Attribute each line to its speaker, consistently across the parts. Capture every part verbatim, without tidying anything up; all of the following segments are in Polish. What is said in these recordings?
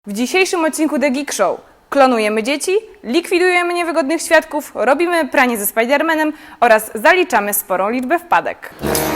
Speaker 1: W dzisiejszym odcinku The Geek Show klonujemy dzieci, likwidujemy niewygodnych świadków, robimy pranie ze Spidermanem oraz zaliczamy sporą liczbę wpadek.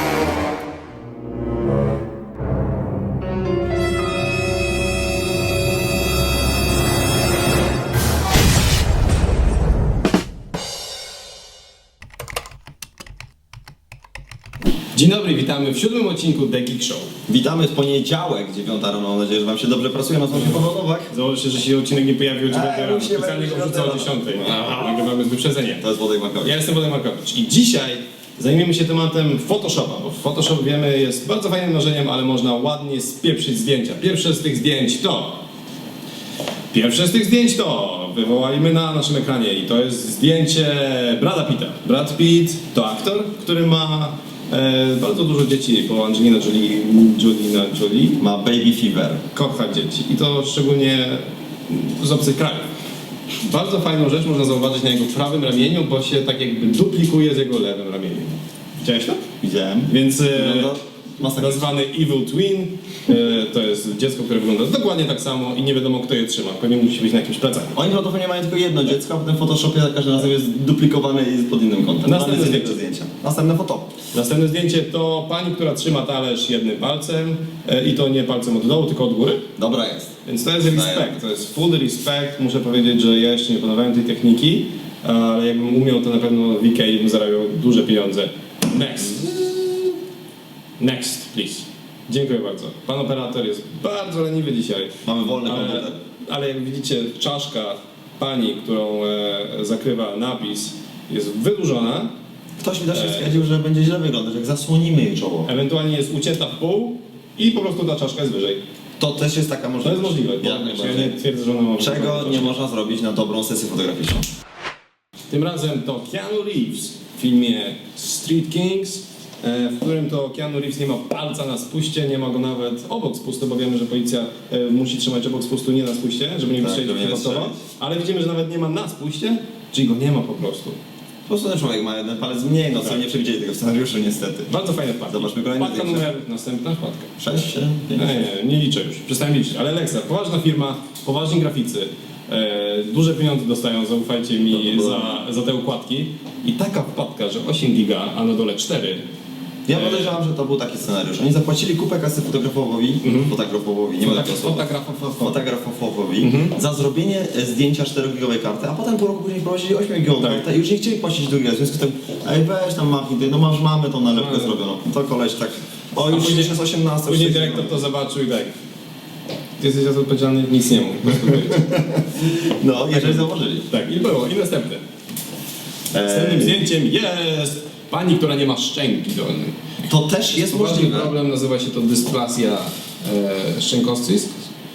Speaker 2: Dzień dobry, witamy w siódmym odcinku The Geek Show.
Speaker 3: Witamy w poniedziałek, dziewiąta rano. Mam nadzieję, że wam się dobrze pracuje. Nazywam się Paweł Nowak.
Speaker 2: Założę, że się odcinek nie pojawił o dziewiątej rano.
Speaker 3: musimy
Speaker 2: Specjalnie go
Speaker 3: być
Speaker 2: wrzucę o
Speaker 3: rano.
Speaker 2: dziesiątej. Nagrywamy z wyprzedzeniem.
Speaker 3: To jest Wodek Markowicz.
Speaker 2: Ja jestem Wodek Markowicz i dzisiaj zajmiemy się tematem Photoshopa, bo Photoshop, wiemy, jest bardzo fajnym narzeniem, ale można ładnie spieprzyć zdjęcia. Pierwsze z tych zdjęć to... Pierwsze z tych zdjęć to wywołaliśmy na naszym ekranie i to jest zdjęcie Brada Pitta. Brad Pitt to aktor, który ma e, bardzo dużo dzieci, bo Angelina Jolie, Jolina Jolie
Speaker 3: Ma baby fever.
Speaker 2: kocha dzieci i to szczególnie z obcych krajów. Bardzo fajną rzecz można zauważyć na jego prawym ramieniu, bo się tak jakby duplikuje z jego lewym ramieniem. Widziałeś to?
Speaker 3: Widziałem.
Speaker 2: Więc e,
Speaker 3: Wygląda masakrycznie.
Speaker 2: nazwany Evil Twin, e, to jest dziecko, które wygląda dokładnie tak samo i nie wiadomo kto je trzyma. Pewnie musi być na jakimś plecaku.
Speaker 3: Oni prawdopodobnie mają tylko jedno dziecko, a potem w Photoshopie za każdym razem jest duplikowany i jest pod innym kątem.
Speaker 2: Następne
Speaker 3: Mamy
Speaker 2: zdjęcie.
Speaker 3: zdjęcia. Następne foto.
Speaker 2: Następne zdjęcie to pani, która trzyma talerz jednym palcem e, i to nie palcem od dołu, tylko od góry.
Speaker 3: Dobra jest.
Speaker 2: Więc to jest respekt, to jest full respect. Muszę powiedzieć, że ja jeszcze nie poznawałem tej techniki, ale jakbym umiał, to na pewno w Ikei bym zarabiał duże pieniądze. Next. Next, please. Dziękuję bardzo. Pan operator jest bardzo leniwy dzisiaj.
Speaker 3: Mamy wolny
Speaker 2: Ale,
Speaker 3: komputer.
Speaker 2: ale jak widzicie, czaszka pani, którą e, zakrywa napis, jest wydłużona.
Speaker 3: Ktoś mi też stwierdził, że będzie źle wyglądać, jak zasłonimy jej czoło.
Speaker 2: Ewentualnie jest ucięta w pół i po prostu ta czaszka jest wyżej.
Speaker 3: To też jest taka
Speaker 2: To
Speaker 3: możliwość.
Speaker 2: jest możliwe, bo
Speaker 3: Jak
Speaker 2: ja
Speaker 3: najbardziej.
Speaker 2: nie twierdzę, że ona ma
Speaker 3: Czego
Speaker 2: wyglądać.
Speaker 3: nie można zrobić na dobrą sesję fotograficzną.
Speaker 2: Tym razem to Keanu Reeves w filmie Street Kings, e, w którym to Keanu Reeves nie ma palca na spuście, nie ma go nawet obok spustu, bo wiemy, że policja e, musi trzymać obok spustu, nie na spuście, żeby nie
Speaker 3: Tak,
Speaker 2: wystrzelić
Speaker 3: żeby nie
Speaker 2: przypadkowo.
Speaker 3: wystrzelić.
Speaker 2: Ale widzimy, że nawet nie ma na spuście, czyli go nie ma po prostu.
Speaker 3: Po prostu ten człowiek ma jeden palec mniej, no co
Speaker 2: Tak.
Speaker 3: nie przewidzieli tego w scenariuszu niestety.
Speaker 2: Bardzo fajne wpadki.
Speaker 3: Zobaczmy kolejne
Speaker 2: Wpadka
Speaker 3: zdjęcie.
Speaker 2: numer, następna wpadka.
Speaker 3: sześć, siedem, pięć.
Speaker 2: Nie, nie, nie liczę już, przestałem liczyć, ale Lexa, poważna firma, poważni graficy, e, duże pieniądze dostają, zaufajcie mi, za, za te układki i taka wpadka, że osiem giga, a na dole cztery.
Speaker 3: Ja podejrzewam, że to był taki scenariusz. Oni zapłacili kupę kasy fotografowi, fotografowi, nie ma takiego słowa.
Speaker 2: Fotografowo.
Speaker 3: Fotografowi za zrobienie e, zdjęcia czterogigowej karty, a potem pół roku później prowadzili ośmiogigową
Speaker 2: Tak.
Speaker 3: kartę i już nie chcieli płacić drugiego. W związku z tym, ej weź tam machnij, ty, no masz, mamy tą nalepkę
Speaker 2: No.
Speaker 3: zrobioną. To koleś tak, o już
Speaker 2: później-
Speaker 3: jest osiemnasta.
Speaker 2: Później
Speaker 3: już
Speaker 2: dyrektor to zobaczył i tak. Ty jesteś za to odpowiedzialny, nic nie mógł. po prostu powiedzieć.
Speaker 3: No, jeżeli zauważyli.
Speaker 2: Tak, i było. I następne. Następnym zdjęciem jest pani, która nie ma szczęki dolnej.
Speaker 3: To też jest
Speaker 2: Poważny
Speaker 3: możliwe.
Speaker 2: problem, nazywa się to dysplasia e, szczękowstysk.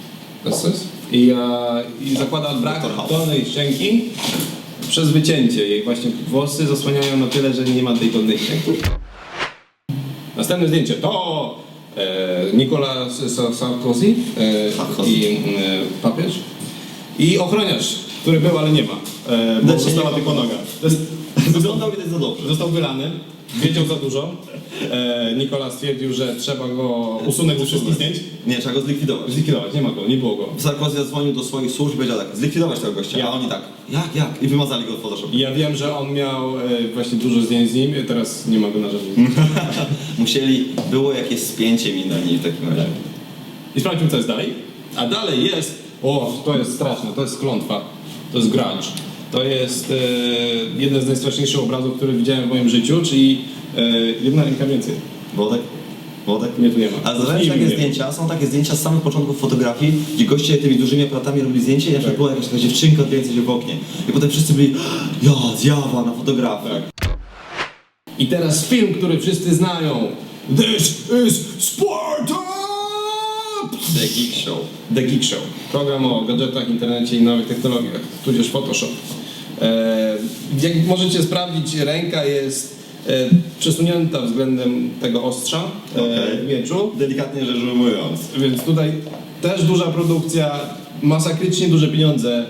Speaker 2: I, e, I zakłada brak
Speaker 3: Doktor House.
Speaker 2: dolnej szczęki przez wycięcie jej. Właśnie włosy zasłaniają na tyle, że nie ma tej dolnej szczęki. Następne zdjęcie to e, Nicolas Sa- Sarkozy e,
Speaker 3: Sarkozy.
Speaker 2: i e, papież i ochroniarz, który był, ale nie ma, e, bo
Speaker 3: Znaczy,
Speaker 2: została
Speaker 3: nie
Speaker 2: tylko
Speaker 3: ma.
Speaker 2: noga. To jest,
Speaker 3: Wyglądał widać za dobrze.
Speaker 2: Został wylany, wiedział za dużo. E, Nikola stwierdził, że trzeba go usunąć ze wszystkich zdjęć.
Speaker 3: Nie, trzeba go zlikwidować.
Speaker 2: Zlikwidować, nie ma go, nie było go.
Speaker 3: Sarkozy zadzwonił do swoich służb i powiedział tak, zlikwidować tego gościa,
Speaker 2: Ja.
Speaker 3: a oni tak, jak, jak? I wymazali go w Photoshopie.
Speaker 2: I ja wiem, że on miał e, właśnie dużo zdjęć z nim, teraz nie ma go na żadnym.
Speaker 3: Musieli, było jakieś spięcie minęli w takim razie.
Speaker 2: I sprawdźmy, co jest dalej. A dalej jest, o, to jest straszne, to jest klątwa, to jest grunge. To jest e, jeden z najstraszniejszych obrazów, który widziałem w moim życiu, czyli e, jedna ręka więcej.
Speaker 3: Wodek? Wodek?
Speaker 2: Nie, tu nie ma.
Speaker 3: Ale zauważyłeś
Speaker 2: Nie,
Speaker 3: takie
Speaker 2: nie.
Speaker 3: zdjęcia, są takie zdjęcia z samych początków fotografii, gdzie goście tymi dużymi aparatami robili zdjęcie i na przykład
Speaker 2: Tak.
Speaker 3: była jakaś taka dziewczynka odbijająca się w oknie. I potem wszyscy byli, ja, zjawa na fotografii.
Speaker 2: Tak. I teraz film, który wszyscy znają. This is Sparta!
Speaker 3: The Geek Show.
Speaker 2: The Geek Show. Program o gadżetach, internecie i nowych technologiach, tudzież Photoshop. E, jak możecie sprawdzić, ręka jest e, przesunięta względem tego ostrza e,
Speaker 3: Okej.
Speaker 2: mieczu,
Speaker 3: Delikatnie rzecz ujmując.
Speaker 2: więc tutaj też duża produkcja, masakrycznie duże pieniądze.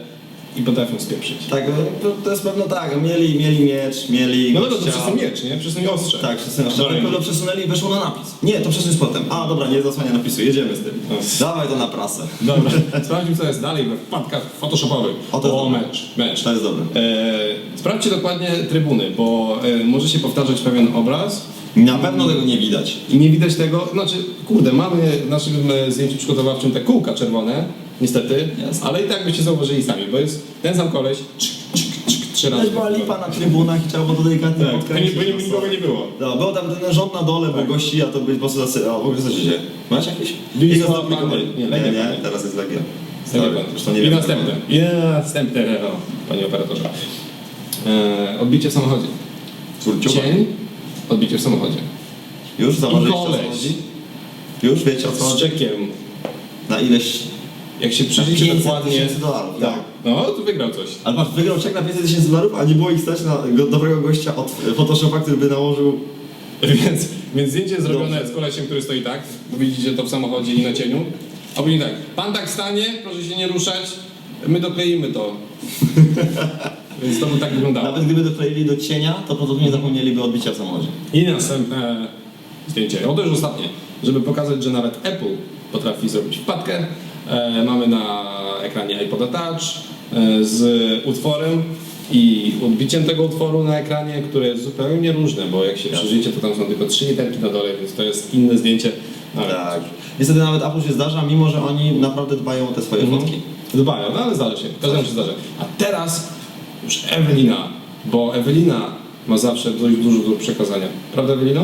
Speaker 2: i potrafią spieprzyć.
Speaker 3: Tak, to, to jest pewno tak, mieli, mieli miecz, mieli
Speaker 2: No dobra, to
Speaker 3: gościa.
Speaker 2: przez ten miecz, nie? Przez ten ostrze.
Speaker 3: Tak, przesunęli.
Speaker 2: Do
Speaker 3: Ale
Speaker 2: ręki.
Speaker 3: to przesunęli i weszło na napis. Nie, to przesuń z potem. A dobra, nie zasłania napisu, jedziemy z tym.
Speaker 2: No.
Speaker 3: Dawaj to na prasę.
Speaker 2: Dobra, sprawdźmy co jest dalej we wpadkach photoshopowych.
Speaker 3: O, to jest
Speaker 2: o
Speaker 3: dobre.
Speaker 2: mecz, mecz.
Speaker 3: To jest dobre.
Speaker 2: E, sprawdźcie dokładnie trybuny, bo e, może się powtarzać pewien obraz
Speaker 3: Na pewno tego nie widać.
Speaker 2: i nie widać tego, znaczy, kurde, mamy w naszym e, zdjęciu przygotowawczym te kółka czerwone, niestety,
Speaker 3: Jasne.
Speaker 2: ale i tak byście zauważyli sami, bo jest ten sam koleś, czyk, czyk, czyk, trzy razy.
Speaker 3: Też była lipa na trybunach i trzeba było to delikatnie
Speaker 2: Tak,
Speaker 3: podkręcić.
Speaker 2: bo nie- bo nie- nikogo nie było.
Speaker 3: No, był tam ten rząd na dole, bo gości, a to by po prostu zasy... O, w ogóle co się dzieje? Masz jakieś?
Speaker 2: Wisła,
Speaker 3: I go zduplikowali.
Speaker 2: Panie. Nie,
Speaker 3: Nie,
Speaker 2: Legia,
Speaker 3: nie,
Speaker 2: Panie.
Speaker 3: teraz jest Legia.
Speaker 2: Sorry,
Speaker 3: Sorry, zresztą nie
Speaker 2: I
Speaker 3: wiem.
Speaker 2: następne. I następne, o, panie operatorze. E, odbicie w samochodzie.
Speaker 3: Kurciuba.
Speaker 2: Cień, odbicie w samochodzie.
Speaker 3: Już
Speaker 2: I
Speaker 3: zauważyliście o co
Speaker 2: koleś
Speaker 3: chodzi? Już wiecie o co
Speaker 2: z
Speaker 3: chodzi?
Speaker 2: czekiem.
Speaker 3: Na ileś...
Speaker 2: Jak się
Speaker 3: Na
Speaker 2: przyjrzycie
Speaker 3: pięćset
Speaker 2: dokładnie,
Speaker 3: tysięcy dolarów, tak.
Speaker 2: no to wygrał coś.
Speaker 3: Ale patrz, wygrał czek na pięćset tysięcy dolarów, a nie było ich stać na go, dobrego gościa od Photoshopa, który by nałożył...
Speaker 2: Więc, więc zdjęcie jest zrobione
Speaker 3: Dobrze.
Speaker 2: z kolesiem, który stoi tak, bo widzicie to w samochodzie i na cieniu. A później tak, pan tak stanie, proszę się nie ruszać, my dokleimy to. Więc to by tak wyglądało.
Speaker 3: Nawet gdyby dokleili do cienia, to podobnie zapomnieliby odbicia w samochodzie.
Speaker 2: I następne zdjęcie, o to już ostatnie, żeby pokazać, że nawet Apple potrafi zrobić wpadkę. E, mamy na ekranie iPoda Touch e, z utworem i odbiciem tego utworu na ekranie, które jest zupełnie różne, bo jak się przyjrzycie, to tam są tylko trzy literki na dole, więc to jest inne zdjęcie. Ale
Speaker 3: Tak. Niestety nawet Apple się zdarza, mimo że oni naprawdę dbają o te swoje
Speaker 2: Mhm.
Speaker 3: fotki.
Speaker 2: Dbają, no ale zdarza się, każdemu się zdarza. A teraz już Ewelina, bo Ewelina ma zawsze dość dużo do przekazania. Prawda, Ewelino?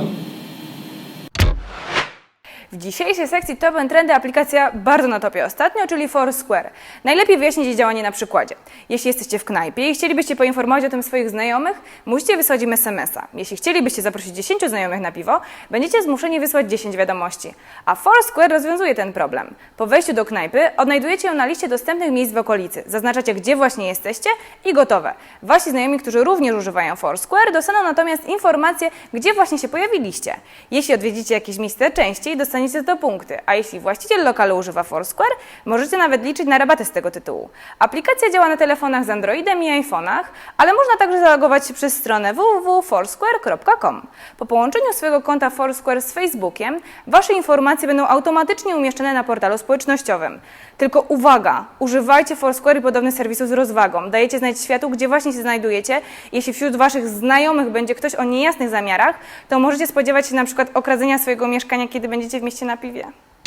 Speaker 1: W dzisiejszej sekcji Top and Trendy aplikacja bardzo na topie ostatnio, czyli Foursquare. Najlepiej wyjaśnić jej działanie na przykładzie. Jeśli jesteście w knajpie i chcielibyście poinformować o tym swoich znajomych, musicie wysłać im es em es a. Jeśli chcielibyście zaprosić dziesięciu znajomych na piwo, będziecie zmuszeni wysłać dziesięć wiadomości. A Foursquare rozwiązuje ten problem. Po wejściu do knajpy odnajdujecie ją na liście dostępnych miejsc w okolicy. Zaznaczacie, gdzie właśnie jesteście i gotowe. Wasi znajomi, którzy również używają Foursquare, dostaną natomiast informację, gdzie właśnie się pojawiliście. Jeśli odwiedzicie jakieś miejsce częściej, dostaniecie za to punkty, a jeśli właściciel lokalu używa Foursquare, możecie nawet liczyć na rabaty z tego tytułu. Aplikacja działa na telefonach z Androidem i iPhone'ach, ale można także zalogować się przez stronę w w w kropka foursquare kropka com. Po połączeniu swojego konta Foursquare z Facebookiem, wasze informacje będą automatycznie umieszczone na portalu społecznościowym. Tylko uwaga! Używajcie Foursquare i podobnych serwisów z rozwagą. Dajecie znać światu, gdzie właśnie się znajdujecie. Jeśli wśród waszych znajomych będzie ktoś o niejasnych zamiarach, to możecie spodziewać się na przykład okradzenia swojego mieszkania, kiedy będziecie w mieście na piwie.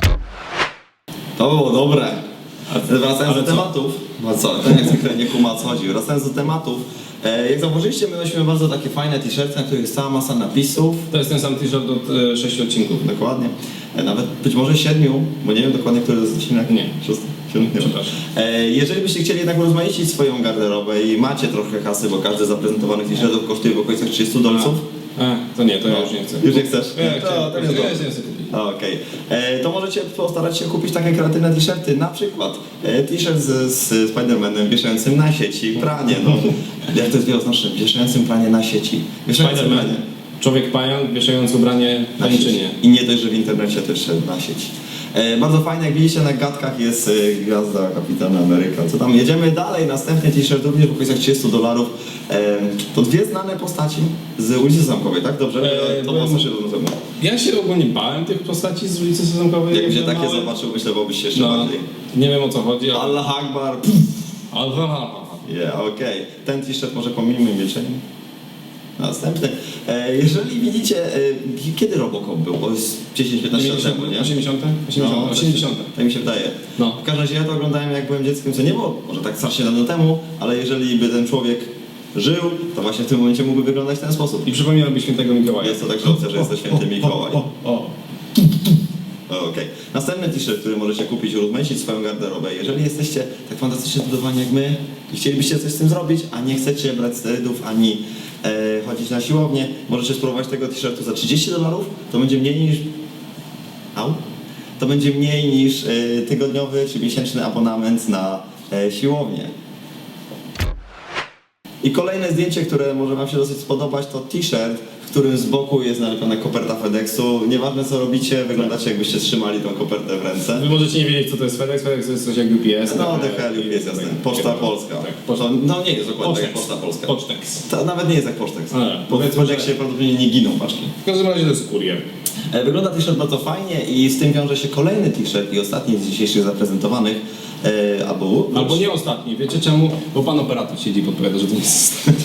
Speaker 3: To było dobre. Wracając
Speaker 2: ale
Speaker 3: do
Speaker 2: co?
Speaker 3: tematów, no co, ten jak zwykle nie kuma o co chodzi. Wracając do tematów, e, jak zauważyliście, my nosimy bardzo takie fajne t-shirty, na których jest cała masa napisów.
Speaker 2: To jest ten sam t-shirt od e, sześciu odcinków.
Speaker 3: Dokładnie. E, nawet być może siedmiu, bo nie wiem dokładnie, który to jest odcinek.
Speaker 2: Nie.
Speaker 3: Szósty? Siódmy? Nie wiem.
Speaker 2: Przepraszam.
Speaker 3: E, jeżeli byście chcieli jednak urozmaicić swoją garderobę i macie trochę kasy, bo każdy z zaprezentowanych t-shirtów kosztuje w okolicach trzydziestu dolców.
Speaker 2: A, to nie, to ja już nie chcę.
Speaker 3: Już nie chcesz?
Speaker 2: Ja,
Speaker 3: To-
Speaker 2: chciałem,
Speaker 3: to
Speaker 2: ja,
Speaker 3: jest
Speaker 2: ja
Speaker 3: dobre.
Speaker 2: się nie chcę kupić.
Speaker 3: Okej, E, to możecie postarać się kupić takie kreatywne t-shirty, na przykład e, t-shirt z, z Spider-Manem wieszającym na sieci pranie, no. Jak to jest wieloznaczne, wieszającym pranie na sieci. Wieszającym
Speaker 2: Spider-Man,
Speaker 3: pranie
Speaker 2: człowiek pająk wieszający ubranie
Speaker 3: na sieci.
Speaker 2: tańczynie.
Speaker 3: I nie dość, że w internecie też szedł na sieć. E, bardzo fajne, jak widzicie na gadkach jest e, gwiazda Kapitana Ameryka. Co tam? Jedziemy dalej, następny t-shirt również w okolicach trzydziestu dolarów. E, to dwie znane postaci z ulicy Zamkowej, tak? Dobrze?
Speaker 2: E,
Speaker 3: to
Speaker 2: byłem-
Speaker 3: mocno się równorzędne.
Speaker 2: Ja się ogólnie bałem tych postaci z ulicy Sezamkowej.
Speaker 3: Jakbyś
Speaker 2: jak
Speaker 3: takie
Speaker 2: byłem mały.
Speaker 3: zobaczył, myślę, byłbyś się jeszcze
Speaker 2: No,
Speaker 3: bardziej.
Speaker 2: nie wiem o co chodzi, ale...
Speaker 3: Allah Akbar.
Speaker 2: Alfa.
Speaker 3: Yeah, okej. Ten t-shirt może pomijmy milczeniem. Następny. E, jeżeli widzicie, e, kiedy Robocop był? Bo jest dziesięć piętnaście lat temu, nie?
Speaker 2: osiemdziesiąte? osiemdziesiąte?
Speaker 3: No,
Speaker 2: osiemdziesiąte.
Speaker 3: Tak mi się wydaje.
Speaker 2: No.
Speaker 3: W każdym razie ja to oglądałem jak byłem dzieckiem, co nie było może tak strasznie dawno temu, ale jeżeli by ten człowiek żył, to właśnie w tym momencie mógłby wyglądać w ten sposób.
Speaker 2: I przypominałby świętego Mikołaja.
Speaker 3: Jest to także opcja, że jest to święty Mikołaj.
Speaker 2: O, o, o.
Speaker 3: O, Okej. Następny t-shirt, który możecie kupić, urozmaicić swoją garderobę. Jeżeli jesteście tak fantastycznie zbudowani jak my i chcielibyście coś z tym zrobić, a nie chcecie brać sterydów ani e, chodzić na siłownię, możecie spróbować tego t-shirtu za trzydzieści dolarów. To będzie mniej niż... Au? To będzie mniej niż e, tygodniowy czy miesięczny abonament na e, siłownię. I kolejne zdjęcie, które może wam się dosyć spodobać, to t-shirt, w którym z boku jest nalepiona koperta FedExu. Nieważne co robicie, wyglądacie jakbyście trzymali tą kopertę w ręce.
Speaker 2: Wy możecie nie wiedzieć, co to jest FedEx. FedEx to jest coś jak U P S.
Speaker 3: No,
Speaker 2: tak,
Speaker 3: D H L jest jasne. Poczta Polska.
Speaker 2: Tak, poczta.
Speaker 3: To, no nie jest dokładnie tak jak
Speaker 2: Pocztex.
Speaker 3: Poczta Polska.
Speaker 2: Pocztex.
Speaker 3: To nawet nie jest jak Pocztex.
Speaker 2: Ale,
Speaker 3: Bo w
Speaker 2: powiedzmy,
Speaker 3: Poczteksie
Speaker 2: że-
Speaker 3: prawdopodobnie nie giną paczki.
Speaker 2: W każdym razie to jest kurier.
Speaker 3: E, Wygląda t-shirt bardzo fajnie i z tym wiąże się kolejny t-shirt i ostatni z dzisiejszych zaprezentowanych. E, albo,
Speaker 2: Albo nie ostatni. Wiecie czemu? Bo pan operator siedzi i podpowiada, że to nie jest ostatni.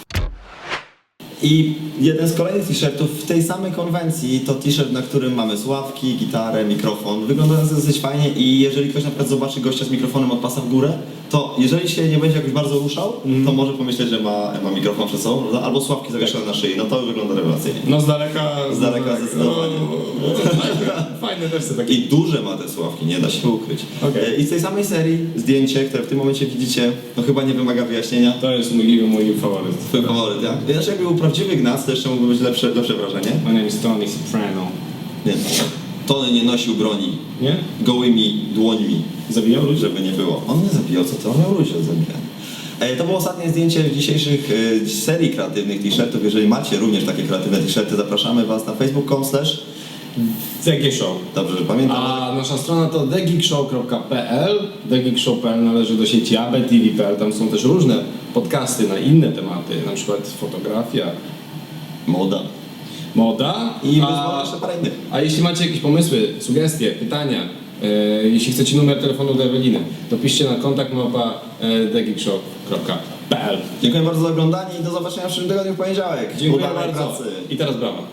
Speaker 3: I jeden z kolejnych t-shirtów w tej samej konwencji to t-shirt, na którym mamy sławki, gitarę, mikrofon. Wygląda to dosyć fajnie i jeżeli ktoś na przykład zobaczy gościa z mikrofonem od pasa w górę, to jeżeli się nie będzie jakoś bardzo ruszał, to może pomyśleć, że ma, ma mikrofon przed sobą, no, albo sławki zawieszone na szyi. No to wygląda rewelacyjnie.
Speaker 2: No z daleka...
Speaker 3: Z daleka zdecydowanie.
Speaker 2: No, fajne też są takie.
Speaker 3: I duże ma te sławki, nie da się ukryć.
Speaker 2: Okej.
Speaker 3: E, I z tej samej serii zdjęcie, które w tym momencie widzicie, no chyba nie wymaga wyjaśnienia.
Speaker 2: To jest mój, mój faworyt.
Speaker 3: Twój faworyt, jak? Znaczy jakby był prawdziwy Gnac, to jeszcze mógłby być lepsze, lepsze wrażenie.
Speaker 2: My name is Tony Soprano.
Speaker 3: Nie. Tony nie nosił broni
Speaker 2: Nie?
Speaker 3: gołymi dłońmi,
Speaker 2: Zabijał ludzi?
Speaker 3: żeby nie było. On nie zabijał, co to? On miał ludzi od zabijania. E, To było ostatnie zdjęcie w dzisiejszych e, serii kreatywnych t-shirtów. Jeżeli macie również takie kreatywne t-shirty, zapraszamy was na facebook kropka com slash
Speaker 2: The Geek Show.
Speaker 3: Dobrze, że pamiętam.
Speaker 2: A nasza strona to the geek show kropka p l. The Geek Show kropka p l należy do sieci A B T V kropka p l. Tam są też różne podcasty na inne tematy, na przykład fotografia,
Speaker 3: Moda.
Speaker 2: moda.
Speaker 3: I być
Speaker 2: a,
Speaker 3: może jeszcze parę innych.
Speaker 2: a jeśli macie jakieś pomysły, sugestie, pytania, e, jeśli chcecie numer telefonu do Eweliny, to piszcie na kontakt małpa e, the geek show kropka p l.
Speaker 3: Dziękuję bardzo za oglądanie i do zobaczenia w przyszłym tygodniu w poniedziałek.
Speaker 2: Dziękuję
Speaker 3: Udanej
Speaker 2: bardzo.
Speaker 3: pracy.
Speaker 2: I teraz brawa.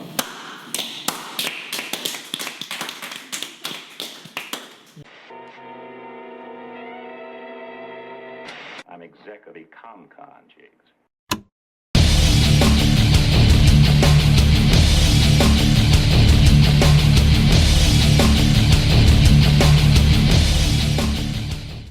Speaker 4: I'm exec of Ecomcon, Jigs.